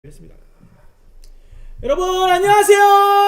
했습니다. 여러분 안녕하세요.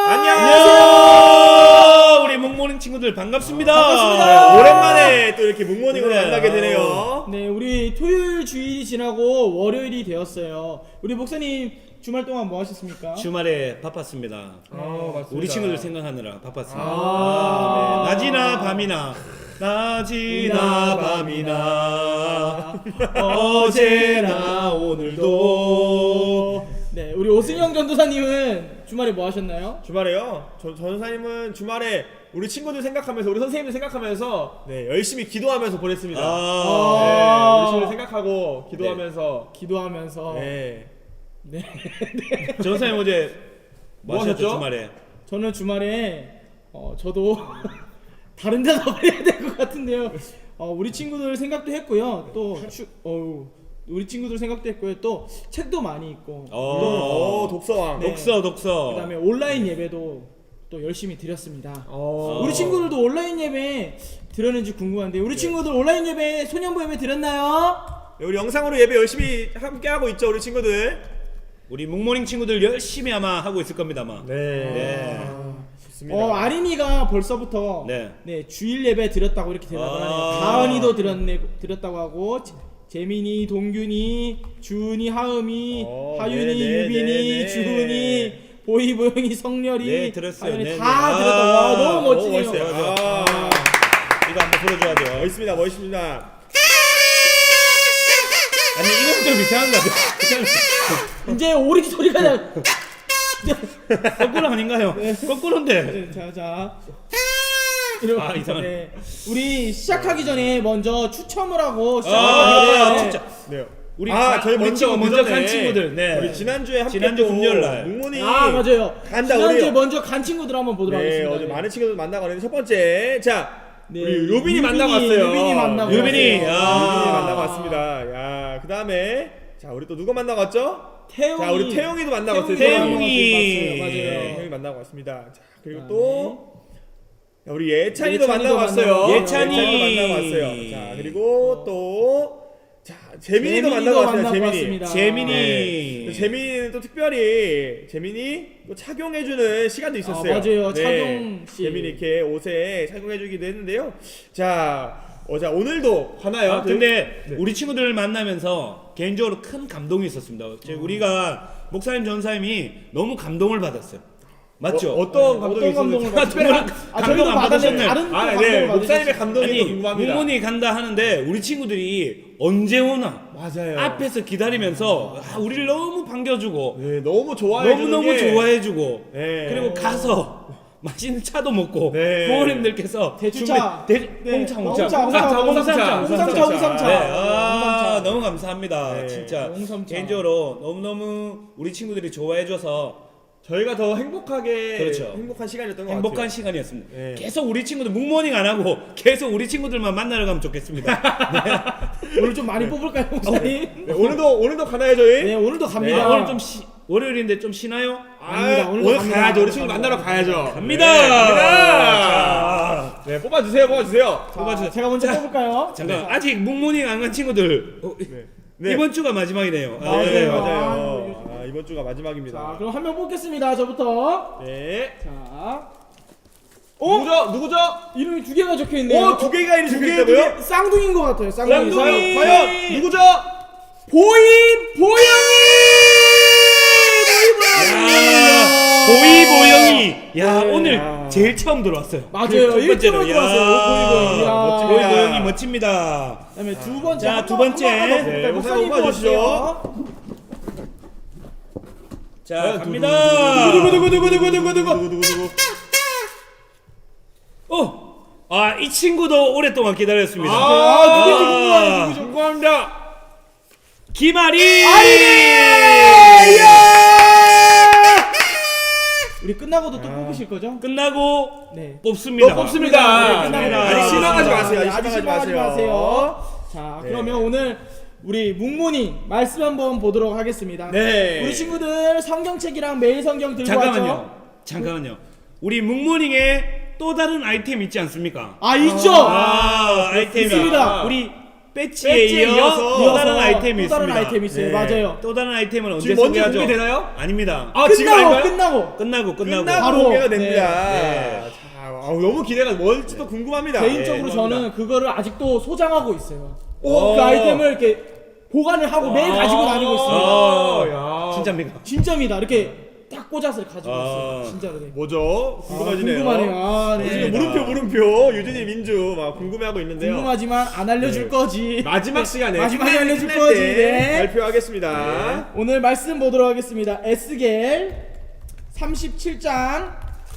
안녕하세요. 우리 묵모닝 친구들 반갑습니다. 반갑습니다. 오랜만에 또 이렇게 묵모닝을 네. 만나게 되네요. 네, 우리 토요일 주일이 지나고 월요일이 되었어요. 우리 목사님 주말 동안 뭐 하셨습니까? 주말에 바빴습니다. 맞습니다. 우리 친구들 생각하느라 바빴습니다. 아. 네. 낮이나 밤이나 낮이나 밤이나 어제나 오늘도. 네, 우리 오승영 전도사님은 주말에 뭐 하셨나요? 주말에요. 전사님은 주말에 우리 친구들 생각하면서 우리 선생님들 생각하면서 열심히 기도하면서 보냈습니다. 우리 친구들 생각하고 기도하면서 기도하면서. 네. 네. 전사님 어제 뭐 하셨죠? 하셨죠? 주말에? 저는 주말에 저도 다른 대답을 해야 될 것 같은데요. 우리 친구들 생각도 했고요. 또 우리 친구들 생각도 했고요. 또 책도 많이 읽고. 독서왕. 네. 독서. 그다음에 온라인 예배도 또 열심히 드렸습니다. 어. 우리 친구들도 온라인 예배 드렸는지 궁금한데 우리 친구들 온라인 예배 소년부 예배 드렸나요? 네, 우리 영상으로 예배 열심히 함께 하고 있죠, 우리 친구들. 우리 묵모닝 친구들 열심히 아마 하고 있을 겁니다 아마. 네. 좋습니다. 아린이가 벌써부터 네. 주일 예배 드렸다고 이렇게 대답을 하네요. 가은이도 드렸다고 하고 재민이, 동균이, 주은이, 하음이, 하윤이, 네, 유빈이, 네. 주은이, 보이, 보영이, 성렬이, 네, 들었어요. 하윤이 네, 다 네. 드렸다고. 와, 너무 멋지네요. 멋있어요. 이거 한번 불러줘야죠. 멋있습니다, 멋있습니다. 아니 이건 좀 이상한 거 같아요. 이제 오리 소리가 나. 거꾸로 아닌가요? 거꾸로인데. 자. 이상하네. 우리 시작하기 전에 먼저 추첨을 하고 진짜. 네. 우리 저희 먼저 그 간 친구들. 네. 우리 지난주에 함께 지난주 금요일 날. 묵모닝 맞아요. 간다, 지난주에 우리. 먼저 간 친구들 한번 보도록 네, 하겠습니다. 어제 많은 친구들 만나고 왔는데 첫 번째, 자, 네, 우리 요빈이 만나고 왔어요. 유빈이 만나고 유빈이. 왔어요. 요빈이 만나고 왔습니다. 야, 그 다음에 자, 우리 또 누가 만나고 왔죠? 태용이. 자, 우리 태용이도 만나고 왔어요. 태용이. 맞아요. 태용이 만나고 왔습니다. 자, 그리고 그다음에 또 자, 우리 예찬이도 예찬이도 만나고 왔어요. 예찬이. 예찬이도 만나고 왔어요. 자, 그리고 또 자, 재민이도 만나고 왔습니다. 재민이. 재민이. 재민이는 또 특별히 재민이 또 착용해주는 시간도 있었어요. 맞아요. 착용 씨. 재민이 이렇게 옷에 착용해주기도 했는데요. 자, 자 오늘도 가나요? 근데 우리 친구들 만나면서 개인적으로 큰 감동이 있었습니다. 우리가 목사님 전사님이 너무 감동을 받았어요. 맞죠? 어떤 감동이 어떤 감동을 있었는지. 받았어요? 감동 안 받으셨나요? 다른 네, 감동을 목사님의 받으셨어요. 감동이 또 아니 궁금합니다. 묵모닝 간다 하는데 우리 친구들이 언제 오나 맞아요. 앞에서 기다리면서 우리를 너무 반겨주고 네, 너무 좋아해주는 너무 게 좋아해주고 네. 그리고 가서 맛있는 차도 먹고 네. 부모님들께서 대추차. 홍차 홍삼차. 네, 너무 감사합니다. 네. 진짜 홍삼차. 개인적으로 너무너무 우리 친구들이 좋아해줘서 저희가 더 행복하게 그렇죠. 행복한 시간이었던 것 행복한 같아요. 시간이었습니다. 네. 계속 우리 친구들 묵모닝 안 하고 계속 우리 친구들만 만나러 가면 좋겠습니다. 오늘 좀 많이 뽑을까요, 목사님? 네, 오늘도 가나요 저희? 네, 오늘도 갑니다. 네, 오늘 좀 월요일인데 좀 쉬나요? 갑니다. 오늘도 오늘 갑니다. 가야죠. 우리 친구 만나러 가야죠. 갑니다. 네, 갑니다. 네, 뽑아주세요. 자, 제가 먼저 뽑을까요? 잠깐 아직 묵모닝 안 간 친구들 네. 이번 주가 마지막이네요. 맞아요. 네, 아, 맞아요. 이번 주가 마지막입니다. 자, 그럼 한 명 뽑겠습니다. 저부터. 네. 자, 누구죠? 이름이 두 개가 적혀 있네요. 두 개가 이름 적혀 있다고요? 쌍둥이인 것 같아요. 쌍둥이. 과연 누구죠? 보이보영이. 야 네. 오늘 제일 처음 들어왔어요. 맞아요. 첫 1등으로 번째로. 들어왔어요. 멋집니다. 보이보영이 멋집니다. 그다음에 두 번째. 자, 두 번째. 네, 목사님 뽑아주시죠. 뽑아주시죠. 자 갑니다. 누구? 이 친구도 오랫동안 기다렸습니다. 누구지 궁금해요. 누구죠? 궁금합니다. 김아리. 우리 끝나고도 또 뽑으실 거죠? 끝나고 네. 뽑습니다. 또 뽑습니다. 네, 끝나고 네. 아직 실망하지 마세요. 네, 아직 아직 실망하지 실망하지 마세요. 자, 네. 그러면 오늘 우리 묵모닝 말씀 한번 보도록 하겠습니다. 네. 우리 친구들 성경책이랑 매일 성경 들고 왔죠? 잠깐만요. 우리 묵모닝에 또 다른 아이템 있지 않습니까? 아, 있죠. 아이템이 있습니다. 우리 배지에 배지에 이어 이어서 또 다른 아이템이 또 다른 있습니다. 아이템이 있어요. 맞아요. 또 다른 아이템은 언제 지금 먼저 소개하죠? 공개되나요? 아닙니다. 아 지금 아닌가요? 끝나고 끝나고 끝나고 바로. 공개가 됩니다. 네. 자, 너무 기대가 뭘지도 궁금합니다. 개인적으로 네, 저는 궁금합니다. 그거를 아직도 소장하고 있어요. 오. 그 아이템을 이렇게 보관을 하고 매일 가지고 다니고 있습니다. 야. 진짜입니까? 진짜입니다. 이렇게 딱 꽂아서 가지고 아. 있어요. 진짜로. 네. 뭐죠? 궁금해지네요. 궁금하네요. 아, 네. 지금 물음표 유진이 민주 막 궁금해하고 있는데요. 궁금하지만 안 알려줄 거지. 마지막 시간에 마지막에 알려줄 끝날 거지. 때 네. 발표하겠습니다. 오늘 말씀 보도록 하겠습니다. 에스겔 37장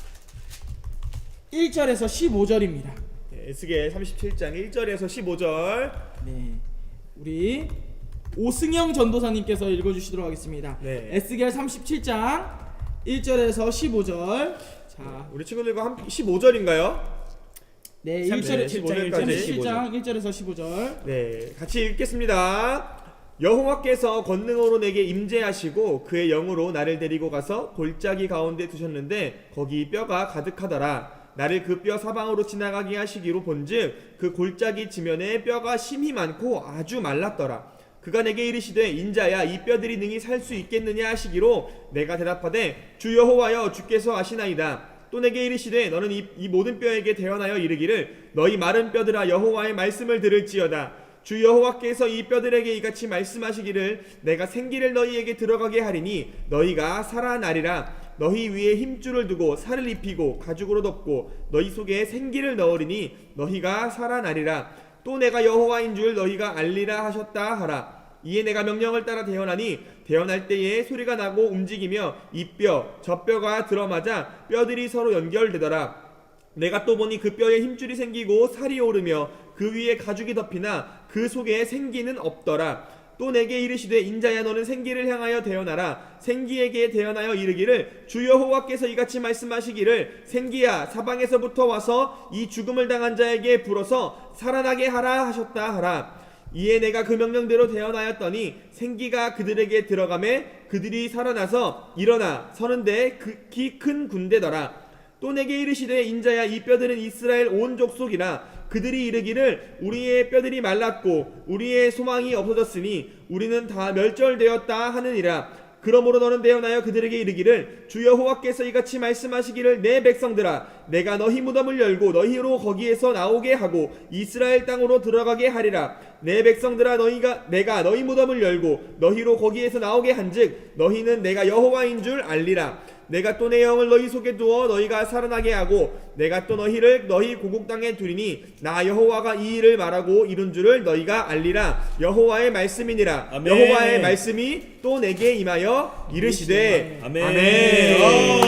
1절에서 15절입니다. 네, 에스겔 37장 1절에서 15절. 네. 우리 오승영 전도사님께서 읽어주시도록 하겠습니다. 네. 에스겔 37장 1절에서 15절. 자, 우리 친구들과 함께 15절인가요? 네, 37장 37장 1절에서 15절. 네, 같이 읽겠습니다. 여호와께서 권능으로 내게 임재하시고 그의 영으로 나를 데리고 가서 골짜기 가운데 두셨는데 거기 뼈가 가득하더라. 나를 그 뼈 사방으로 지나가게 하시기로 본즉 그 골짜기 지면에 뼈가 심히 많고 아주 말랐더라. 그가 내게 이르시되 인자야 이 뼈들이 능히 살 수 있겠느냐 하시기로 내가 대답하되 주 여호와여 주께서 아시나이다. 또 내게 이르시되 너는 이 모든 뼈에게 대언하여 이르기를 너희 마른 뼈들아 여호와의 말씀을 들을지어다. 주 여호와께서 이 뼈들에게 이같이 말씀하시기를 내가 생기를 너희에게 들어가게 하리니 너희가 살아나리라. 너희 위에 힘줄을 두고 살을 입히고 가죽으로 덮고 너희 속에 생기를 넣으리니 너희가 살아나리라. 또 내가 여호와인 줄 너희가 알리라 하셨다 하라. 이에 내가 명령을 따라 대언하니 대언할 때에 소리가 나고 움직이며 이 뼈 저 뼈가 들어맞아 뼈들이 서로 연결되더라. 내가 또 보니 그 뼈에 힘줄이 생기고 살이 오르며 그 위에 가죽이 덮이나 그 속에 생기는 없더라. 또 내게 이르시되 인자야 너는 생기를 향하여 대언하라. 생기에게 대언하여 이르기를 주 여호와께서 이같이 말씀하시기를 생기야 사방에서부터 와서 이 죽음을 당한 자에게 불어서 살아나게 하라 하셨다 하라. 이에 내가 그 명령대로 대언하였더니 생기가 그들에게 들어가매 그들이 살아나서 일어나 서는데 극히 큰 군대더라. 또 내게 이르시되 인자야 이 뼈들은 이스라엘 온 족속이라. 그들이 이르기를 우리의 뼈들이 말랐고 우리의 소망이 없어졌으니 우리는 다 멸절되었다 하느니라. 그러므로 너는 대언하여 그들에게 이르기를 주 여호와께서 이같이 말씀하시기를 내 백성들아 내가 너희 무덤을 열고 너희로 거기에서 나오게 하고 이스라엘 땅으로 들어가게 하리라. 내 백성들아 내가 너희 무덤을 열고 너희로 거기에서 나오게 한즉 너희는 내가 여호와인 줄 알리라. 내가 또 내 영을 너희 속에 두어 너희가 살아나게 하고 내가 또 너희를 너희 고국 땅에 두리니 나 여호와가 이 일을 말하고 이룬 줄을 너희가 알리라. 여호와의 말씀이니라. 아멘. 여호와의 말씀이 또 내게 임하여 이르시되 아멘. 아멘.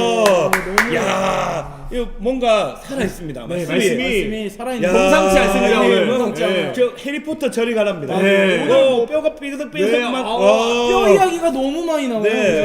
너무 야, 이거 뭔가 살아 있습니다. 네, 말씀이 살아있는 야, 범상치 않습니다, 오늘. 범상치 않아요. 네. 저 해리포터 저리 가랍니다. 네. 오늘 뼈가 삐그덕삐그덕 네, 막. 뼈 이야기가 너무 많이 나와요. 네.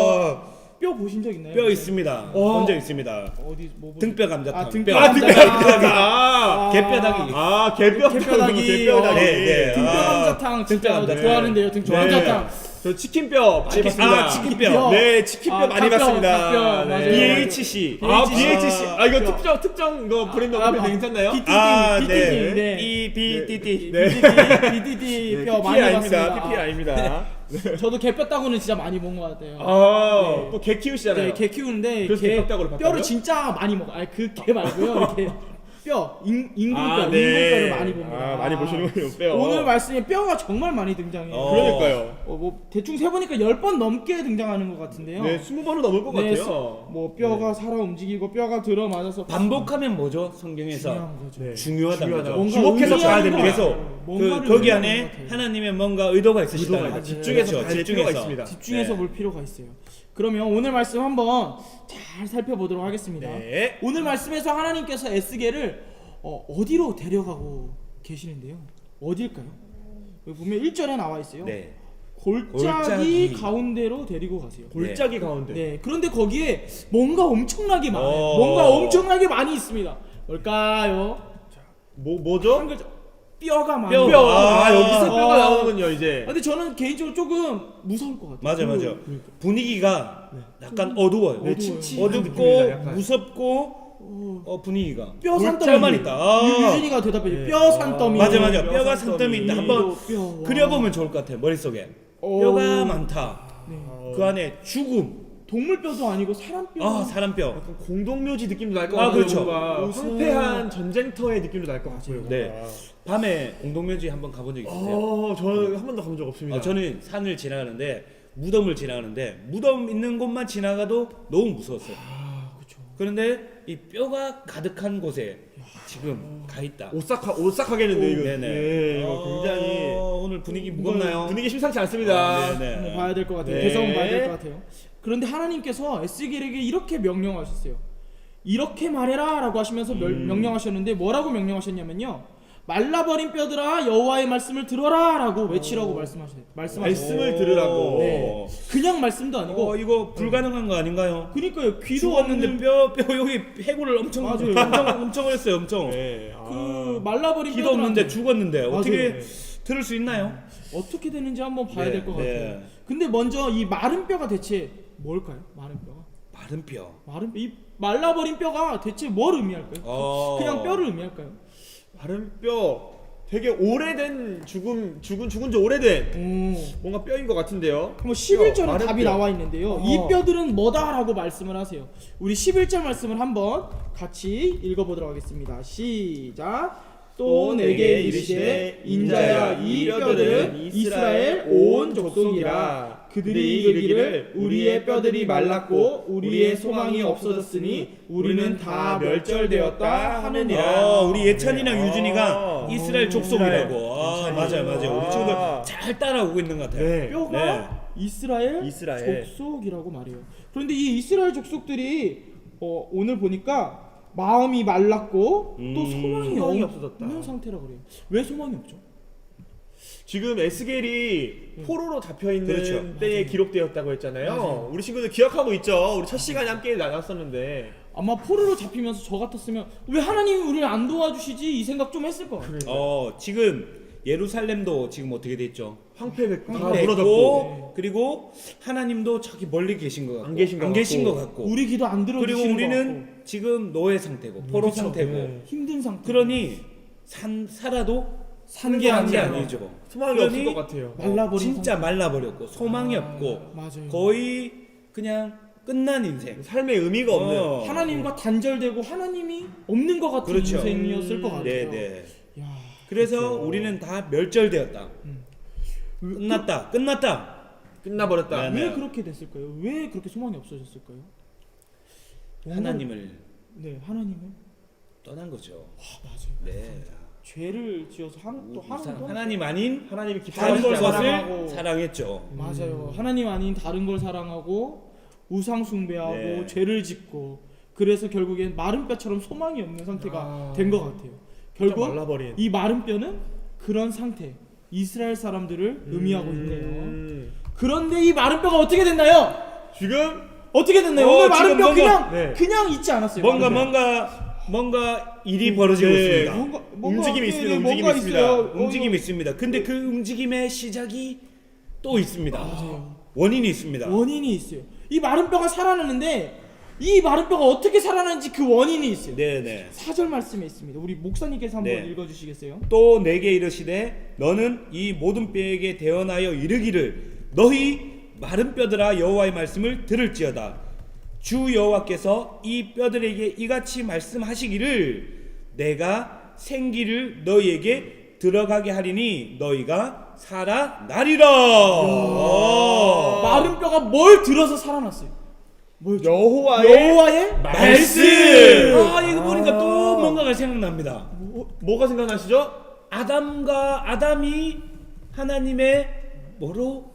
뼈 보신 적 있나요? 뼈 있습니다. 본 적 있습니다. 어디 뭐 보신- 등뼈 감자탕. 아, 등뼈 아 등뼈 감자탕. 감자탕. 개뼈다귀. 아 개뼈다귀. 개뼈다귀. 네, 네. 등뼈 아, 감자탕 진짜 등뼈 감자탕. 좋아하는데요. 등뼈 네. 감자탕. 저 치킨뼈 많이 봤습니다. 아, 치킨뼈. 네, 치킨뼈 많이 닭뼈, 봤습니다. 닭뼈, 맞아요. 네. BHC. 아, BHC. BHC. 아, 이거 뼈. 특정 이거 브랜드 아, 어플이 괜찮나요? BTD, 아, BTD, 네. 네. EBDD. 네. BTD 네, 뼈 PPL 많이 아닙니다. 봤습니다. PPL 아닙니다. 저도 개뼈 따고는 진짜 많이 본 것 같아요. 아, 또 개 키우시잖아요. 네, 개 키우는데 그래서 개뼈 따구로 바꿔요? 뼈를 진짜 많이 먹어. 아니 그 개 말고요. 이렇게 뼈 인공뼈, 아, 네. 인공뼈를 많이 봅니다. 아, 많이 보시는군요, 뼈. 오늘 말씀에 뼈가 정말 많이 등장해요. 그러니까요. 뭐 대충 세 보니까 10번 넘게 등장하는 것 같은데요. 네, 20번은 넘을 것 네, 같아요. 뭐 뼈가 살아 움직이고 뼈가 들어맞아서 반복하면 뭐죠? 성경에서 중요한 거죠. 네. 중요하다는 중요하다. 거죠. 뭔가 주목해서 의미하는 봐야 됩니다. 것 그래서 같아요. 뭔가를 거기 의미하는 안에 것 같아요. 하나님의 뭔가 의도가 있으시다는 의도가 거죠. 집중해서 그렇죠. 봐야 필요가 있습니다. 집중해서 네. 볼 필요가 있어요. 그러면 오늘 말씀 한번 잘 살펴보도록 하겠습니다. 네. 오늘 말씀에서 하나님께서 에스겔을 어디로 데려가고 계시는데요. 어딜까요? 여기 보면 1절에 나와 있어요. 네. 골짜기 가운데로 데리고 가세요. 골짜기 가운데. 네. 그런데 거기에 뭔가 엄청나게 많아요. 어. 뭔가 엄청나게 많이 있습니다. 뭘까요? 뭐죠? 한 글자. 뼈가 많아요. 뼈. 뼈. 아, 아. 여기서 뼈가 나오는군요, 이제. 근데 저는 개인적으로 조금 무서울 것 같아요. 맞아. 분위기가 약간 어두워요. 네, 어두워요. 칙칙한 느낌입니다, 어둡고 약간. 무섭고 분위기가 뼈 산더미. 골자만 있다. 유진이가 대답해. 네. 뼈 산더미. 맞아 뼈 뼈가 산더미. 산더미 있다. 한번 뼈. 그려보면 좋을 것 같아 머릿속에. 뼈가 많다. 네. 그 안에 죽음. 동물 뼈도 아니고 사람 뼈. 사람 뼈. 약간 공동묘지 느낌도 날 것 아, 같아요. 그렇죠. 뭔가 옷은- 황폐한 전쟁터의 느낌도 날 것 같고요. 네. 밤에 공동묘지 한번 가본 적 있으세요? 저는 한 번도 가본 적 없습니다. 저는 산을 지나가는데 무덤을 지나가는데 무덤 있는 곳만 지나가도 너무 무서웠어요. 그렇죠. 그런데 이 뼈가 가득한 곳에 지금 가 있다. 오싹하겠는데 이거. 네네. 네, 이거 굉장히 오늘 분위기 무겁나요? 분위기 심상치 않습니다. 네네. 한번 봐야 될 것 같아요. 네. 대성은 봐야 될 것 같아요. 그런데 하나님께서 에스겔에게 이렇게 명령하셨어요. 이렇게 말해라라고 하시면서 명령하셨는데 뭐라고 명령하셨냐면요. 말라버린 뼈들아 여호와의 말씀을 들어라라고 외치라고 말씀하셨어요. 말씀을 들으라고. 네. 그냥 말씀도 아니고. 이거 불가능한 거 아닌가요? 그러니까요. 귀도 죽었는데 없는 뼈 여기 해골을 엄청 맞아요. 엄청 했어요. 엄청. 네. 그 말라버린 기도 없는데 뼈들한테 죽었는데 어떻게 맞아요. 들을 수 있나요? 어떻게 되는지 한번 봐야 네, 될 것 네. 같아요. 근데 먼저 이 마른 뼈가 대체 뭘까요? 마른 뼈가? 마른 뼈. 마른 뼈, 이 말라버린 뼈가 대체 뭘 의미할까요? 그냥 뼈를 의미할까요? 마른 뼈 되게 오래된 죽은 지 오래된 오. 뭔가 뼈인 것 같은데요. 그럼 11절에 마른 답이 뼈. 나와 있는데요. 이 뼈들은 뭐다라고 말씀을 하세요. 우리 11절 말씀을 한번 같이 읽어보도록 하겠습니다. 시작. 또 내게 이르시되 인자야 이 뼈들은 이스라엘 온 족속이라. 그들이 이르기를 우리의 뼈들이 말랐고 우리의 소망이 없어졌으니 우리는 다 멸절되었다 하느니라. 우리 예찬이랑 유준이가 이스라엘 족속이라고. 이스라엘. 맞아요. 우리 친구들 잘 따라오고 있는 것 같아요. 네. 뼈가 이스라엘 족속이라고 말해요. 그런데 이 이스라엘 족속들이 오늘 보니까 마음이 말랐고 또 소망이 소망이 없는 없어졌다. 상태라고 그래요. 왜 소망이 없죠? 지금 에스겔이 포로로 잡혀 있는 그렇죠. 때에 기록되었다고 했잖아요. 맞아요. 우리 친구들 기억하고 있죠. 우리 첫 시간에 함께 나눴었는데. 아마 포로로 잡히면서 저 같았으면 왜 하나님이 우리를 안 도와주시지 이 생각 좀 했을 것 같아요. 지금 예루살렘도 지금 어떻게 됐죠? 황폐됐고 다 됐고, 무너졌고. 그리고 하나님도 저기 멀리 계신 것 같고 안 계신 것 것 같고. 우리 기도 안 그리고 들어주시는 것 우리는 같고 지금 노예 상태고 포로 그쵸. 상태고 네. 힘든 상태. 그러니 살아도 사는 게 게 아니라 아니죠. 소망이 그러니 없을 것 같아요. 말라버린 진짜 말라버렸고 소망이 없고 맞아요. 거의 그냥 끝난 인생. 삶의 의미가 없는. 하나님과 단절되고 하나님이 없는 것 같은 그렇죠. 인생이었을 것 같아요. 네네. 야, 그래서 우리는 다 멸절되었다. 끝났다. 끝나버렸다. 네. 왜 그렇게 됐을까요? 왜 그렇게 소망이 없어졌을까요? 하나님을 네, 하나님을 떠난 거죠. 맞아요. 네. 죄를 지어서 또 하나님도 하나님 아닌 하나님이 다른 기뻐하시지 것을 않아요. 사랑하고. 사랑했죠. 맞아요. 하나님 아닌 다른 걸 사랑하고 우상 숭배하고 네. 죄를 짓고 그래서 결국엔 마른 뼈처럼 소망이 없는 상태가 된 것 같아요. 진짜 결국 말라버린. 이 마른 뼈는 그런 상태 이스라엘 사람들을 의미하고 있네요. 그런데 이 마른 뼈가 어떻게 됐나요? 지금 어떻게 됐나요? 오늘 마른 지금 뼈 뭔가- 네. 그냥 있지 않았어요. 마른 뼈. 뭔가 일이 벌어지고 네. 있습니다. 뭔가 움직임이 있습니다. 뭔가 움직임이 있습니다. 있어요. 움직임이 있습니다. 근데 그 움직임의 시작이 또 있습니다. 맞아요. 원인이 있습니다. 원인이 있어요. 이 마른 뼈가 살아나는데 이 마른 뼈가 어떻게 살아나는지 그 원인이 있어요. 네네. 4절 말씀에 있습니다. 우리 목사님께서 한번 네. 읽어주시겠어요? 또 내게 이르시되 너는 이 모든 뼈에게 대언하여 이르기를 너희 마른 뼈들아 여호와의 말씀을 들을지어다. 주 여호와께서 이 뼈들에게 이같이 말씀하시기를 내가 생기를 너희에게 들어가게 하리니 너희가 살아나리라. 마른 뼈가 뭘 들어서 살아났어요? 뭐였죠? 여호와의 말씀. 이거 보니까 또 뭔가가 생각납니다. 뭐가 생각나시죠? 아담이 하나님의 뭐로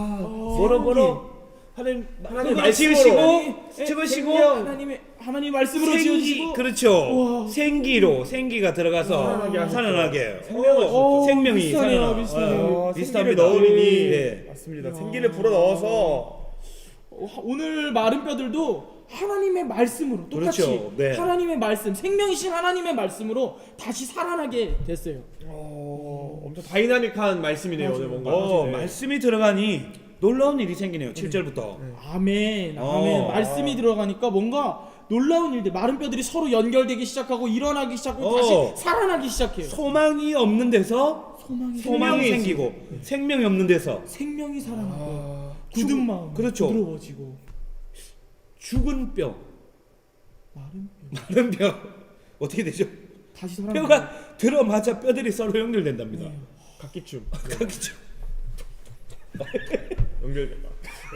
하나님 말씀으로. 지으시고 하나님 말씀으로 생기 지어주시고 그렇죠. 우와. 생기가 들어가서 살아나게 생명이 비슷하네요, 살아나. 비슷하네요. 생기를 비슷합니다. 넣으리니 네. 맞습니다. 생기를 불어 넣어서 오늘 마른 뼈들도 하나님의 말씀으로 똑같이 그렇죠. 네. 하나님의 말씀 생명이신 하나님의 말씀으로 다시 살아나게 됐어요. 엄청 다이나믹한 말씀이네요. 오늘 뭔가. 네. 말씀이 들어가니 놀라운 일이 생기네요. 7절부터. 아멘. 아멘. 어. 말씀이 들어가니까 뭔가 놀라운 일들, 마른 뼈들이 서로 연결되기 시작하고 일어나기 시작하고 어. 다시 살아나기 시작해요. 소망이 없는 데서 소망이 소망이 생기고 생명이 없는 데서 생명이 살아나고 굳은 마음 그렇죠. 부드러워지고 죽은 뼈, 마른 뼈 마른 뼈 어떻게 되죠? 다시 살아나고 뼈가 들어맞아 뼈들이 서로 연결된답니다. 네. 각기춤 각기죠. 연결된다.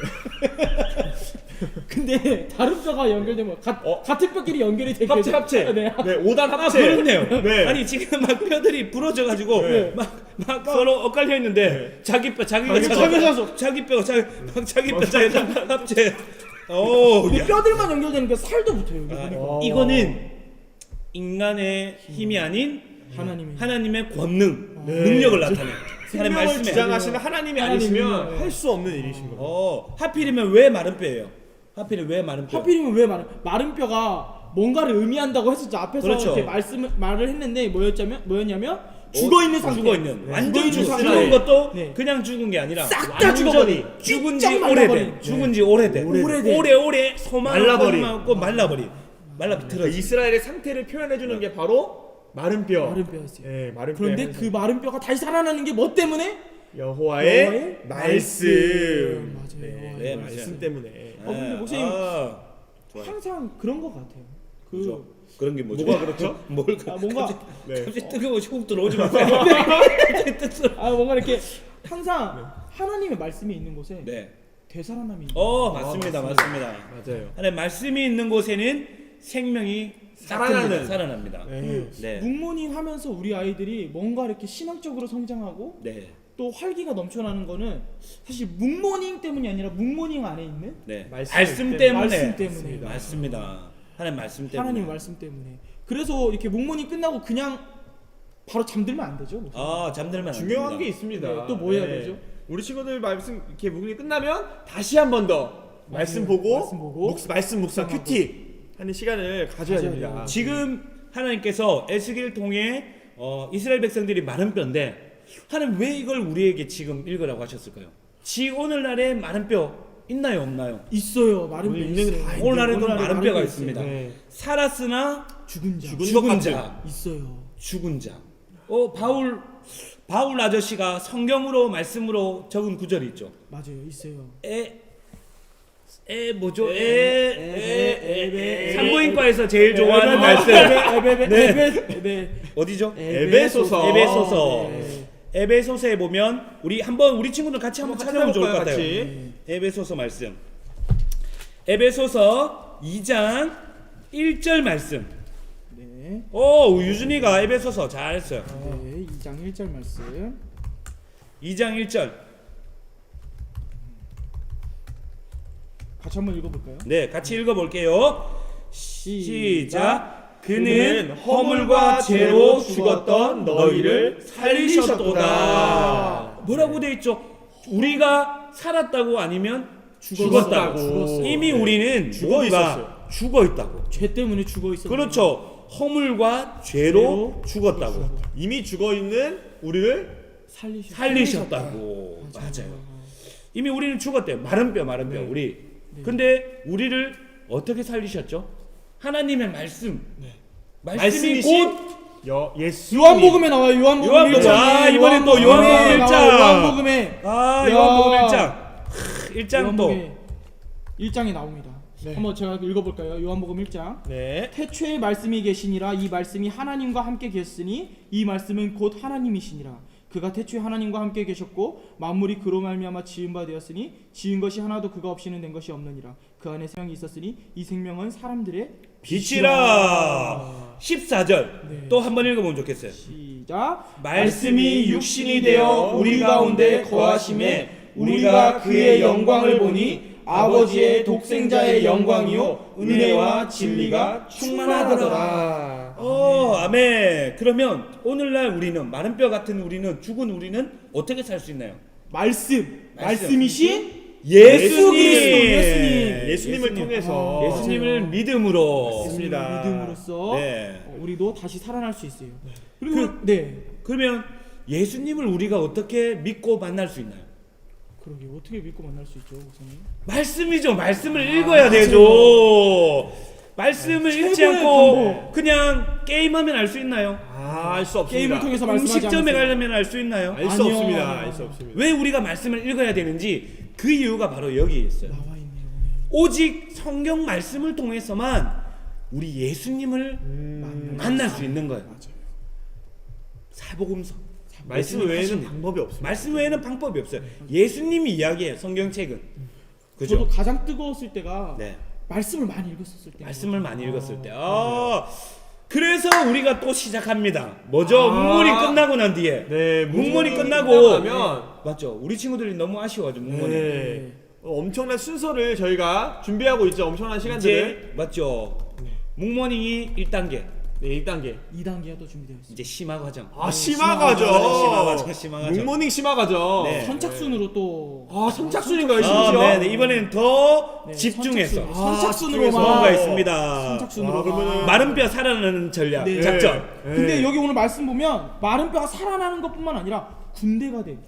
근데 다른 뼈가 연결되면 같은 뼈끼리 연결이 되게 합체 합체. 네. 네, 5단 아 합체. 그렇네요. 네. 아니 지금 막 뼈들이 부러져가지고 네. 막 서로 엇갈려 있는데 자기 뼈 자기가 자기 자서. 자기 뼈 자기 뼈 자기 합체. 오, 근데 야. 뼈들만 연결되니까 살도 붙어요. 여기 아, 보니까. 이거는 인간의 힘이 아닌 하나님의 하나님의 권능, 네. 능력을 나타내. 하나님 생명을 말씀에. 주장하시는 하나님이 하나님이요. 아니시면 네. 할 수 없는 일이신 겁니다. 하필이면 왜 마른 뼈예요? 하필이면 왜 마른 뼈? 하필이면 왜 마른 뼈가 뭔가를 의미한다고 했었죠. 앞에서 그렇죠. 이렇게 말을 했는데 뭐였냐면 죽어 있는 상태. 죽어 있는 완전 죽어 있는 죽은 상태. 것도 네. 그냥 죽은 게 아니라 싹다 죽어버린. 죽은 지 삐쩍 오래된 말라버린. 죽은 지 오래된 오래된. 오래 소망을 말라버린. 없고 말라버린 그러니까 이스라엘의 상태를 표현해 주는 게 바로 마른 뼈. 마른 뼈였어요. 네, 마른 그런데 뼈의 그 마른 뼈가 다시 살아나는 게 뭐 때문에? 여호와의 여호와의 말씀. 맞아요. 네, 여호와의 말씀 말씀. 때문에. 근데 목사님 좋아요. 항상 그런 것 같아요. 그죠? 그런 게 뭐죠? 뭐가 그렇죠? 뭘 뭔가 네. 갑자기 뜨거워서 훅 들어오지 마세요. 뭔가 이렇게 항상 하나님의 말씀이 있는 곳에 네. 되살아남이 있는 맞습니다. 맞습니다. 맞아요. 하나님 말씀이 있는 곳에는 생명이 살아나는. 살아납니다. 네. 네. 묵모닝 하면서 우리 아이들이 뭔가 이렇게 신앙적으로 성장하고 네. 또 활기가 넘쳐나는 거는 사실 묵모닝 때문이 아니라 묵모닝 안에 있는 네. 말씀 말씀 때문에. 때문에. 말씀 때문에 맞습니다. 하나님 말씀 때문에. 하나님 말씀 때문에 그래서 이렇게 묵모닝 끝나고 그냥 바로 잠들면 안 되죠. 목사님. 잠들면 안 중요한 게 됩니다. 있습니다. 네, 또뭐 해야 되죠? 우리 친구들 말씀 이렇게 묵이 끝나면 다시 한 번 더 말씀 보고, 말씀 보고, 말씀 묵상 묵상하고. 큐티 하는 시간을 가져야 가져야 됩니다. 돼요. 지금 하나님께서 에스겔을 통해 이스라엘 백성들이 마른 뼈인데 하나님 왜 이걸 우리에게 지금 읽으라고 하셨을까요? 오늘날에 마른 뼈 있나요 없나요? 있어요. 마른 뼈 오늘 있는 있어요. 다 오늘날에도 오늘날에 마른 뼈가 뼈 있습니다. 네. 살았으나 죽은 자 죽은 것 죽은 같은. 자, 있어요. 죽은 자. 바울 아저씨가 성경으로 말씀으로 적은 구절이 있죠. 맞아요. 있어요. 뭐죠? 에베 산부인과에서 제일 좋아하는 에베, 말씀. 에베 어디죠? 에베소서. 에베소서. 네. 에베소서에 보면 우리 친구들 같이 한번 찾아보면 좋을 것 같아요. 같이. 에베소서 말씀. 에베소서 2장 1절 말씀. 네. 유준이가 에베소서 잘했어요. 네. 2장 1절 말씀. 2장 1절. 같이 한번 읽어볼까요? 네, 같이 읽어볼게요. 시작. 그는 허물과 죄로 죽었던 너희를 살리셨도다. 뭐라고 돼 있죠? 우리가 살았다고 아니면 죽었다고. 죽었어요. 이미 우리는 죽어 모두가 있었어요. 죽어 있다고. 죄 때문에 죽어 있었어요. 그렇죠. 허물과 죄로 죽었다고. 이미 죽어 있는 우리를 살리셨다고. 맞아요. 이미 우리는 죽었대요. 마른 뼈. 네. 우리. 근데 우리를 어떻게 살리셨죠? 하나님의 말씀. 말씀이 말씀이신 곧 예수. 요한복음에 나와요. 요한복음 요한복음. 1장에 이번엔 또 요한복음 1장. 요한복음에 요한복음 야. 1장. 1장 또. 1장에 나옵니다. 네. 한번 제가 읽어볼까요? 요한복음 1장. 네. 태초에 말씀이 계시니라. 이 말씀이 하나님과 함께 계셨으니 이 말씀은 곧 하나님이시니라. 그가 태초에 하나님과 함께 계셨고 만물이 그로 말미암아 지은 바 되었으니 지은 것이 하나도 그가 없이는 된 것이 없느니라. 그 안에 생명이 있었으니 이 생명은 사람들의 빛이라. 14절. 네. 또 한 번 읽어보면 좋겠어요. 시작. 말씀이 육신이 되어 우리 가운데 거하심에 우리가 그의 영광을 보니 아버지의 독생자의 영광이요 은혜와 진리가 충만하더라. 아멘. 그러면 오늘날 우리는 마른 뼈 같은 우리는 죽은 우리는 어떻게 살 수 있나요? 말씀이신 예수님. 예수님을 통해서 예수님을 믿음으로. 맞습니다. 믿음으로써 네. 우리도 다시 살아날 수 있어요. 그리고 네. 그러면 예수님을 우리가 어떻게 믿고 만날 수 있나요? 그러게 어떻게 믿고 만날 수 있죠, 목사님? 말씀이죠. 말씀을 읽어야 되죠. 말씀을 최고의 읽지 않고 방법. 그냥 게임하면 알 수 있나요? 알 수 없습니다. 게임을 통해서 말씀하지 음식점에 않으세요. 가려면 알 수 있나요? 알 수 아니요. 없습니다. 알 수 없습니다. 왜 우리가 말씀을 읽어야 되는지 그 이유가 바로 여기에 있어요. 나와 있네요. 오직 성경 말씀을 통해서만 우리 예수님을 만날 수 있는 거예요. 사복음서 말씀 예수님 외에는 하신 일. 방법이 없습니다. 말씀 외에는 방법이 없어요. 예수님이 이야기해요. 성경책은. 저도 그죠? 가장 뜨거웠을 때가 네. 말씀을 많이 읽었을 때. 말씀을 많이 읽었을 때. 그래서 우리가 또 시작합니다. 뭐죠? 묵문이 끝나고 난 뒤에. 네, 묵문이 끝나고 끝나면 맞죠? 우리 친구들이 너무 아쉬워하죠. 묵문이. 네. 엄청난 순서를 저희가 준비하고 있죠. 엄청난 시간들을. 이제 맞죠? 묵문이 1단계. 네, 1단계. 2단계가 또 준비되어 있습니다. 이제 심화 과정. 심화가죠. 심화 과정. 묵모닝 심화가죠. 네. 선착순으로 또 선착순인가요, 심지어? 네, 이번에는 더 네, 집중해서 선착순으로만 뭔가 있습니다. 선착순으로. 그러면은 마른 뼈 살아나는 전략, 네. 작전. 근데 여기 오늘 말씀 보면 마른 뼈가 살아나는 것뿐만 아니라 군대가 돼.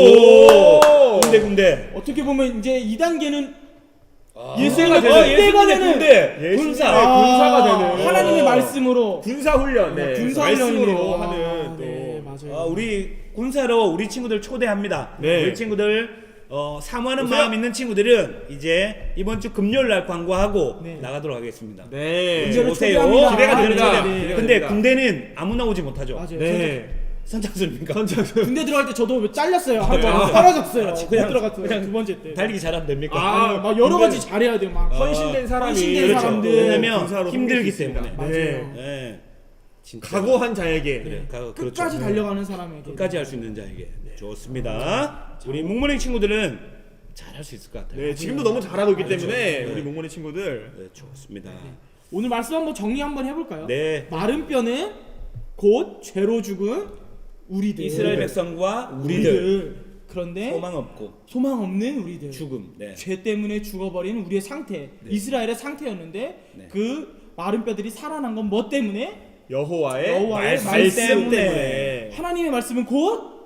오! 군대. 어떻게 보면 이제 2단계는 예수가 군대가 되는 군대. 군사. 군사가 되는 하나님의 말씀으로 군사 훈련. 네. 군사 말씀으로 훈련이네요. 하는 또 네, 맞아요. 우리 군사로 우리 친구들 초대합니다. 네. 우리 친구들 사모하는 오세요. 마음 있는 친구들은 이제 이번 주 금요일 날 광고하고 네. 나가도록 하겠습니다. 네. 군대를 오세요. 초대합니다. 기대가 됩니다. 네, 네. 근데 군대는 아무나 오지 못하죠. 맞아요. 네. 선착순입니까? 군대 들어갈 때 저도 잘렸어요. 한 번 사라졌어요. 못 그냥- 들어갔어요. 그냥 두 번째 때. 달리기 잘하면 됩니까? 아, 막 여러 군대는- 가지 잘해야 돼요. 막 헌신된 사람이 헌신된 그렇죠. 사람들. 왜냐면 군사로 힘들기 섬길 수 있습니다. 때문에. 맞아요. 네. 진짜. 각오한 자에게. 그래, 끝까지 그렇죠. 달려가는 사람에게. 끝까지 할 수 있는 자에게. 좋습니다. 우리 묵문행 친구들은 잘할 수 있을 것 같아요. 네, 지금도 너무 잘하고 있기 때문에 네. 우리 몽골의 친구들. 네, 좋습니다. 오늘 말씀 한번 정리 한번 해볼까요? 네. 마른 뼈는 곧 죄로 죽은 우리들. 이스라엘 백성과 우리들 그런데 소망 없고 소망 없는 우리들. 죽음. 네. 죄 때문에 죽어버린 우리의 상태. 이스라엘의 상태였는데 네. 그 마른 뼈들이 살아난 건 뭐 때문에? 여호와의 말씀 때문에. 하나님의 말씀은 곧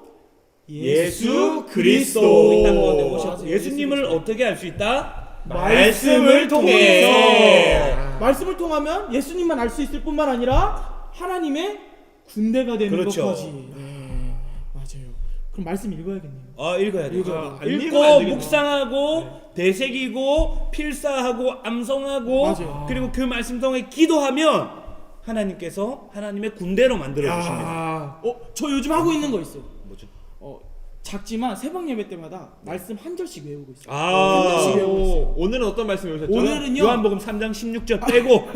예수 그리스도. 이 땅 가운데 오셔서 예수 예수님을 그리스도. 어떻게 알 수 있다? 말씀을 통해. 말씀을 통하면 예수님만 알 수 있을 뿐만 아니라 하나님의 군대가 되는 그렇죠. 것까지. 네, 맞아요. 그럼 말씀 읽어야겠네요. 읽어야 돼요. 읽어야 돼요. 읽고 읽으면 안 되겠네요. 묵상하고 되새기고 필사하고 암송하고 맞아요. 그리고 그 말씀 통해 기도하면 하나님께서 하나님의 군대로 만들어 주십니다. 저 요즘 하고 있는 거 있어요. 뭐죠? 작지만 새벽 예배 때마다 말씀 한 절씩 외우고 있어요. 아. 한 절씩 외우고 있어요. 오늘은 어떤 말씀 외우셨죠? 오늘은요. 요한복음 3장 16절 빼고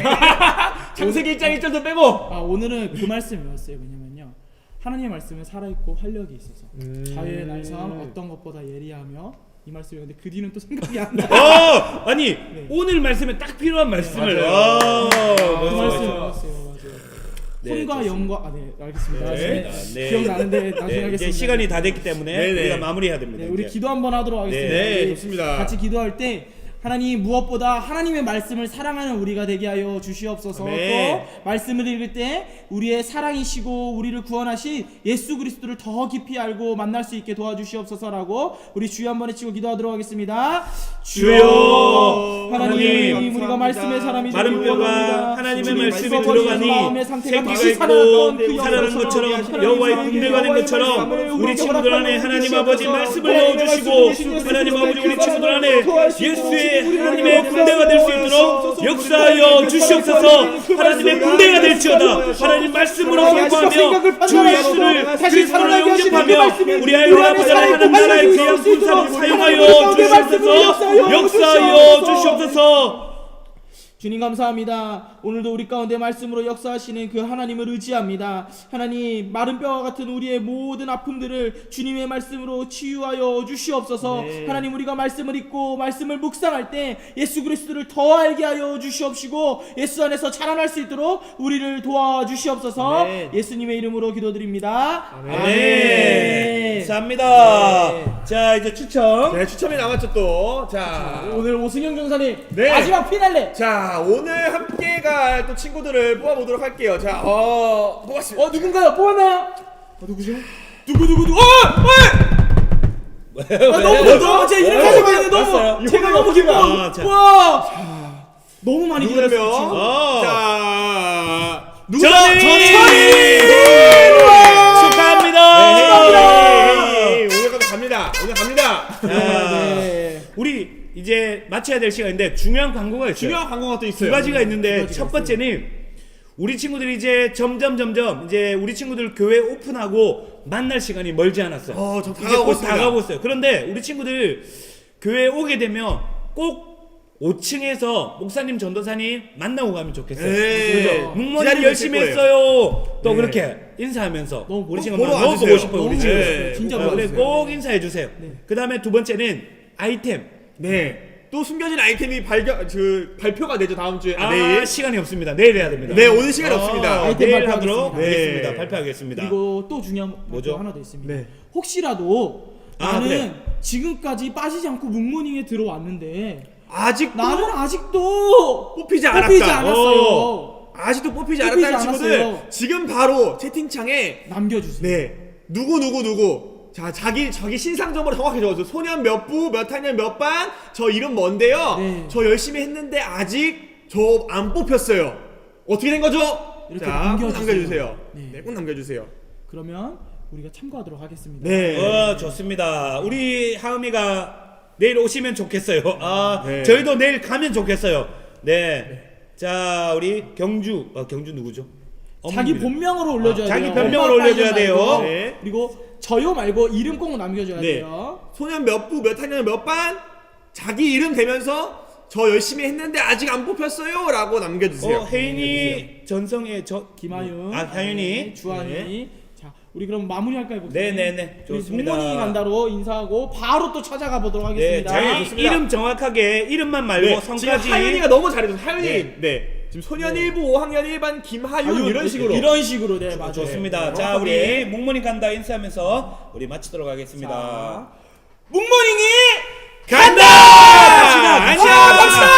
창세기 1장 1절도 빼고. 오늘은 그 말씀 외웠어요. 왜냐면요. 하나님의 말씀은 살아있고 활력이 있어서 자유의 날선 어떤 것보다 예리하며 이 말씀 외웠는데 그 뒤는 또 생각이 안 나. 아니 오늘 말씀에 딱 필요한 말씀을 맞아요. 그 맞아요. 말씀 외웠어요. 맞아요. 네, 혼과 좋습니다. 영과 네 알겠습니다. 네, 나중에 네. 기억나는데 나중에 네, 하겠습니다. 이제 시간이 다 됐기 때문에 네네. 우리가 마무리해야 됩니다. 네, 우리 이제. 기도 한번 하도록 하겠습니다. 네, 우리 좋습니다. 같이 기도할 때 하나님 무엇보다 하나님의 말씀을 사랑하는 우리가 되게 하여 주시옵소서. 아멘. 또 말씀을 읽을 때 우리의 사랑이시고 우리를 구원하신 예수 그리스도를 더 깊이 알고 만날 수 있게 도와주시옵소서라고 우리 주여 한번 외치고 기도하도록 하겠습니다. 주여 하나님 감사합니다. 우리가 말씀의 사람이 마른 되기를 뼈가 원합니다. 하나님의 주님 말씀에 죽어버린 들어가니 마음의 상태가 생기가 다시 있고 살아났던 그 살아난 영광처럼 것처럼 하나님 여호와의 사랑의 군대가 된 여호와의 것처럼 말씀을 우리 친구들 안에 하나님 주시옵소서. 아버지 말씀을 하나님의 넣어주시고 말씀을 하나님 아버지 우리 친구들 안에 도와주시고 예수의 우리를 하나님의 역사하여 군대가 될 수 있도록 역사하여 주시옵소서. 하나님의 군대가 될지어다. 하나님 말씀으로 공부하며 주 예수를 그리스도로 영접하며 우리 아이와 아버지를 하나님 나라의 귀한 군사로 사용하여 주시옵소서. 역사하여 주시옵소서. 주님 감사합니다. 오늘도 우리 가운데 말씀으로 역사하시는 그 하나님을 의지합니다. 하나님 마른 뼈와 같은 우리의 모든 아픔들을 주님의 말씀으로 치유하여 주시옵소서. 네. 하나님 우리가 말씀을 읽고 말씀을 묵상할 때 예수 그리스도를 더 알게 하여 주시옵시고 예수 안에서 자라날 수 있도록 우리를 도와주시옵소서. 아멘. 예수님의 이름으로 기도드립니다. 아멘. 아멘. 감사합니다. 네. 자 이제 추첨. 네, 추첨이 남았죠 또. 자, 오늘 오승영 전사님 네. 마지막 피날레. 자 오늘 함께 갈 또 친구들을 뽑아보도록 할게요. 자, 뽑았습니다. 누군가요? 뽑았나요? 누구죠? 누구? 너무 제 이름까지 봤는데 너무 봤어요? 제가 너무 기뻐. 자. 와. 너무 많이 누구냐면 기다렸어요. 지금. 자 누구다? 전이! 축하합니다. 오늘 갑니다. 오늘 갑니다. 네. 우리 이제 마쳐야 될 시간인데 중요한 광고가 있어요. 중요한 광고가 또 두 있어요. 가지가 있는데 두 가지가 첫 번째는 우리 친구들이 이제 점점 이제 우리 친구들 교회 오픈하고 만날 시간이 멀지 않았어. 좀 이제 다가오고 곧 있습니다. 다가오고 있어요. 그런데 우리 친구들 교회 오게 되면 꼭 5층에서 목사님 전도사님 만나고 가면 좋겠어요. 네. 그죠? 묵문이 기다리고 열심히 있을 거예요. 했어요. 또 네. 그렇게 인사하면서 너무 우리 꼭 친구들 보러 너무 와주세요. 보고 싶어요. 우리 너무 친구들. 보고 싶어요. 진짜 보고 그래 싶어요. 꼭 인사해 주세요. 그 다음에 두 번째는 아이템. 네. 또 숨겨진 아이템이 발표가 되죠 다음 주에. 내일. 시간이 없습니다. 내일 해야 됩니다. 네, 오늘 시간이 없습니다. 아이템 내일 발표하겠습니다. 하도록 하겠습니다. 네. 발표하겠습니다. 그리고 또 중요한 뭐죠? 뭐죠? 하나 더 있습니다. 네. 혹시라도 나는 그래. 지금까지 빠지지 않고 묵모닝에 들어왔는데 아직도 나는 아직도 뽑히지 뽑히지 않았다. 않았어요. 아직도 뽑히지 뽑히지 않았다는 친구들 않았어요. 지금 바로 채팅창에 남겨주세요. 네 누구 자 자기 신상 정보를 정확히 적어줘. 소년 몇 부 몇 학년 몇 반 저 이름 뭔데요. 네. 저 열심히 했는데 아직 저 안 뽑혔어요. 어떻게 된 거죠? 이렇게 자, 꼭 남겨주세요. 남겨주세요. 네. 네, 꼭 남겨주세요. 그러면 우리가 참고하도록 하겠습니다. 네. 좋습니다. 우리 하음이가 내일 오시면 좋겠어요. 네. 저희도 내일 가면 좋겠어요. 네. 자, 우리 경주 누구죠? 자기 어머님이죠. 본명으로 올려줘야 자기 돼요. 본명으로 엄마, 올려줘야 딸 돼요. 말고. 네. 그리고 저요 말고 이름 꼭 남겨줘야 네. 돼요. 소년 몇 부 몇 학년 몇 반 자기 이름 대면서 저 열심히 했는데 아직 안 뽑혔어요 라고 남겨주세요. 혜인이 전성의 김하윤, 하윤이. 네, 주한이. 자, 우리 그럼 마무리할까요? 목사님? 네네네. 우리 좋습니다. 묵모닝 간다로 인사하고 바로 또 찾아가 보도록 네, 하겠습니다. 자기 좋습니다. 이름 정확하게 이름만 말고 네, 성까지. 지금 하윤이가 너무 잘해줘서 하윤이 네. 지금 소년 1부 5학년 1반 김하윤 하윤, 이런 식으로 이런 식으로 네 맞아요. 좋습니다. 네, 자, 정확하게. 우리 묵모닝 간다 인사하면서 우리 마치도록 하겠습니다. 자, 묵모닝이 간다! 아, 안녕! 갑시다!